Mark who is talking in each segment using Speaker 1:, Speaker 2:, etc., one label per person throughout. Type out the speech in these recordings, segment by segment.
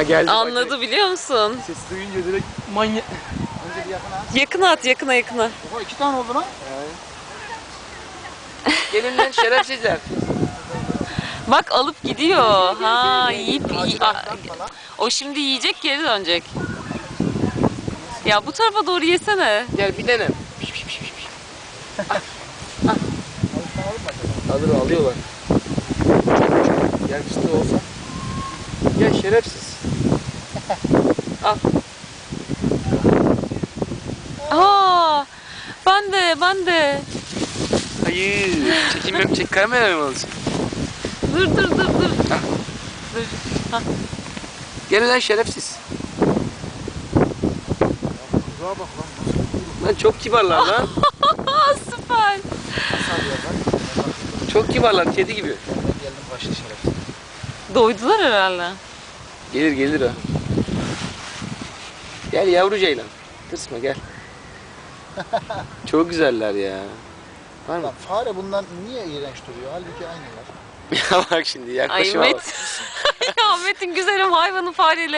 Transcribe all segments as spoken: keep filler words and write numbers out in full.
Speaker 1: Ha geldi.
Speaker 2: Anladı biliyor musun?
Speaker 1: Ses duyunca direkt manyak.
Speaker 3: Önce bir yakına at.
Speaker 2: Yakına at, yakına yakına.
Speaker 3: Oha iki tane oldu lan.
Speaker 1: Gelin lan şerefsizler.
Speaker 2: Bak alıp gidiyor. Ha yiyip yi-
Speaker 3: Ağaçtan falan.
Speaker 2: o şimdi yiyecek, geri dönecek. Ya bu tarafa doğru yesene.
Speaker 1: Gel bir dene. Piş, piş, piş, piş. Ah, ah. Alır alıyorlar. Gel fıstığı olsa. Gel şerefsiz. Al.
Speaker 2: Aa, ben de ben de.
Speaker 1: Hayır. Çekim çek kamera mı alacak?
Speaker 2: Dur dur dur dur.
Speaker 1: Ah.
Speaker 2: Dur. Ha.
Speaker 1: Gel lan şerefsiz.
Speaker 3: Kuzuğa bak lan.
Speaker 1: Lan çok kibarlar lan.
Speaker 2: Süper.
Speaker 3: Nasıl alıyorlar?
Speaker 1: Çok kibarlar, kedi gibi.
Speaker 3: Ben geldim başlı şerefsiz.
Speaker 2: Doydular herhalde.
Speaker 1: Gelir gelir ha. Gel yavru ceylan. Tırsma gel. Çok güzeller ya. Var mı?
Speaker 3: Lan fare bundan niye iğrenç duruyor? Halbuki aynılar.
Speaker 1: Ya bak şimdi
Speaker 2: Ay
Speaker 1: yaklaşıma bak.
Speaker 2: Met. Ya Metin güzelim hayvanı fareyle.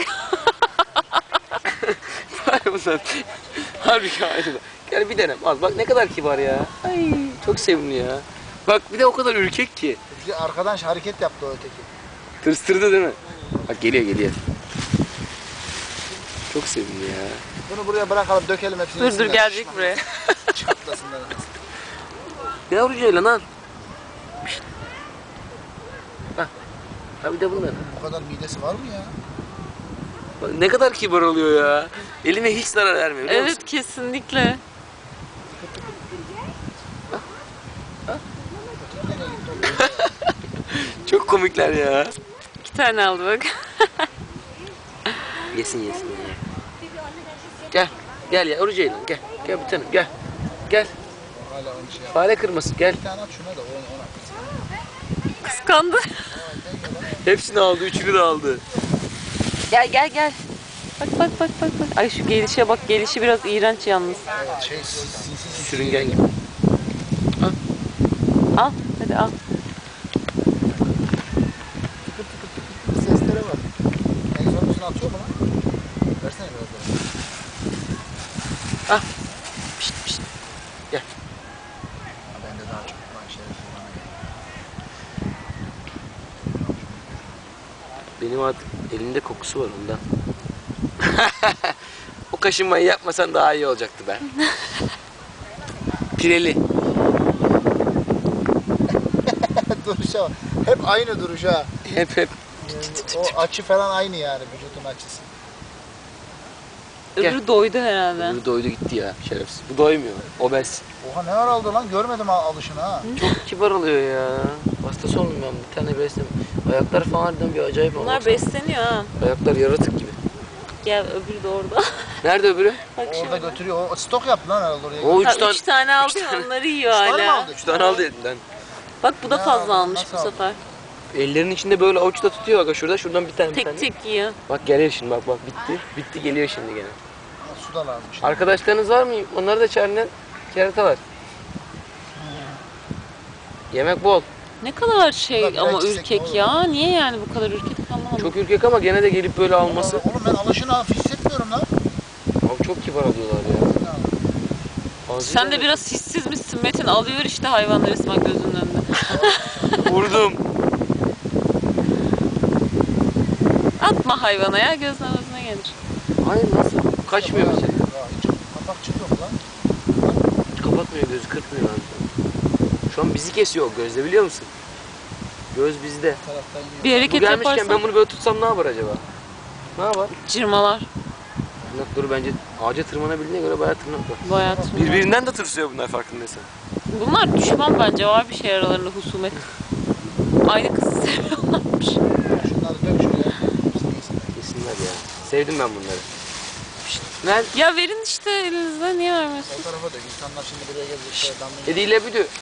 Speaker 1: Var bunlar. Halbuki aynı. Gel bir denem. Al bak ne kadar kibar ya. Ay çok sevimli ya. Bak bir de o kadar ürkek ki.
Speaker 3: Bir de arkadan hareket yaptı o öteki.
Speaker 1: Tırstırdı değil mi? Bak geliyor geliyor. Çok sevimli ya.
Speaker 3: Bunu buraya bırakalım, dökelim hepsini.
Speaker 2: Dur dur
Speaker 3: yesinler.
Speaker 2: gelecek buraya.
Speaker 3: Çatlasınlar.
Speaker 1: Yavru ceylan al. Pişt. Hah. Ha bir de bunlar.
Speaker 3: Bu kadar midesi var mı ya?
Speaker 1: Bak ne kadar kibar oluyor ya. Eline hiç zarar vermiyor biliyor
Speaker 2: Evet
Speaker 1: musun?
Speaker 2: kesinlikle.
Speaker 1: Çok komikler ya.
Speaker 2: İki tane aldı bak.
Speaker 1: Yesin yesin ya. Gel. Gel ya yavru ceylan gel. Gel bir tanem gel. Gel.
Speaker 3: Hala onu şey yap.
Speaker 1: Fare kırması gel.
Speaker 3: Bir tane at şuna da onu ona.
Speaker 2: Kıskandı.
Speaker 1: Hepsini aldı. Üçünü de aldı.
Speaker 2: Gel gel gel. Bak bak bak bak bak. Ay şu gelişe bak, gelişi biraz iğrenç yalnız.
Speaker 3: Evet şey sinsi
Speaker 1: Sürüngen gibi.
Speaker 2: Al hadi al.
Speaker 3: seslere bak. Egzozunu atıyor mu lan? Versene biraz daha.
Speaker 1: Ah. Pişt pişt. Gel.
Speaker 3: Ha, bende daha çok var şerefsiz bana gel.
Speaker 1: Benim artık elimde kokusu var ondan. O kaşınmayı yapmasan daha iyi olacaktı be. Pireli.
Speaker 3: Duruşa bak. Hep aynı duruş ha.
Speaker 1: Hep hep.
Speaker 3: O açı falan aynı yani, vücudun açısı.
Speaker 1: Gel.
Speaker 2: Öbürü doydu herhalde.
Speaker 1: Bu doydu gitti ya şerefsiz. Bu doymuyor. Obez.
Speaker 3: Oha ne ara aldı lan, görmedim al- alışını ha.
Speaker 1: Çok kibar oluyor ya. Hastası oldum ben. Bir tane beslem. Ayaklar falan harbiden bir acayip oldu.
Speaker 2: Bunlar besleniyor ha.
Speaker 1: Ayaklar yaratık gibi.
Speaker 2: Gel öbürü de orada.
Speaker 1: Nerede öbürü?
Speaker 2: Bak
Speaker 3: Orada
Speaker 2: şurada.
Speaker 3: götürüyor. O stok yaptı lan herhalde oraya.
Speaker 1: O üç
Speaker 2: Ha,
Speaker 1: tane.
Speaker 2: üç tane aldı
Speaker 1: üç tane-
Speaker 2: onları yiyor
Speaker 3: Üç tane mi
Speaker 2: hala.
Speaker 3: aldı?
Speaker 1: Üç tane aldı elinden.
Speaker 2: Bak bu da
Speaker 3: Ne
Speaker 2: fazla
Speaker 3: aldı,
Speaker 2: almış
Speaker 3: nasıl
Speaker 2: bu
Speaker 3: aldı?
Speaker 2: sefer.
Speaker 1: Ellerinin içinde böyle avuçta tutuyor bak şurada şuradan bir tane bir tane.
Speaker 2: Tek tek yiyor.
Speaker 1: Bak geliyor şimdi bak bak bitti. Bitti geliyor şimdi gene.
Speaker 3: Ha, su da lazım. işte.
Speaker 1: Arkadaşlarınız var mı? Onları da çağırın lan. Kerata var. Yemek bol.
Speaker 2: Ne kadar şey
Speaker 3: Tabii,
Speaker 2: ama
Speaker 3: biraz çiçek
Speaker 2: ürkek
Speaker 3: olur.
Speaker 2: ya. Niye yani bu kadar ürkek anlamadım.
Speaker 1: Çok ürkek ama gene de gelip böyle alması.
Speaker 3: Oğlum ben alışını hafif hissetmiyorum lan.
Speaker 1: Abi çok kibar alıyorlar ya. Ağzıyla
Speaker 2: Sen de
Speaker 1: da-
Speaker 2: biraz hissiz misin Metin? Alıyor işte hayvanları resmen gözünün önünde.
Speaker 1: Vurdum.
Speaker 2: Atma hayvana ya, gözden gözüne gelir.
Speaker 1: Hayır nasıl? Kaçmıyor mesela.
Speaker 3: Ya hiç kapakçık yok lan.
Speaker 1: Kapatmıyor gözü kırpmıyor abi. Şu an bizi kesiyor o gözle biliyor musun? Göz bizde.
Speaker 3: Taraftan yiyor.
Speaker 2: Bir
Speaker 1: Bu
Speaker 2: hareket
Speaker 1: gelmişken
Speaker 2: yaparsan
Speaker 1: ben bunu böyle tutsam ne yapar acaba? Ne yapar?
Speaker 2: cırmalar.
Speaker 1: Tırnakları bence ağaca tırmanabildiğine göre bayağı tırnak var.
Speaker 2: Bayağı tırmalar.
Speaker 1: Birbirinden de tırsıyor bunlar farkındaysan.
Speaker 2: Bunlar düşman bence, var bir şey aralarında, husumet. Aynı kızı seviyorlarmış.
Speaker 3: Şunları dök şuraya. Hepsini yesinler.
Speaker 1: Kesinler ya. Sevdim ben bunları. Pişt, ver.
Speaker 2: Ya verin işte elinizde, niye vermiyorsun?
Speaker 3: O tarafa dök. İnsanlar şimdi buraya gelecek. Damlayı
Speaker 1: Ediyle büdü.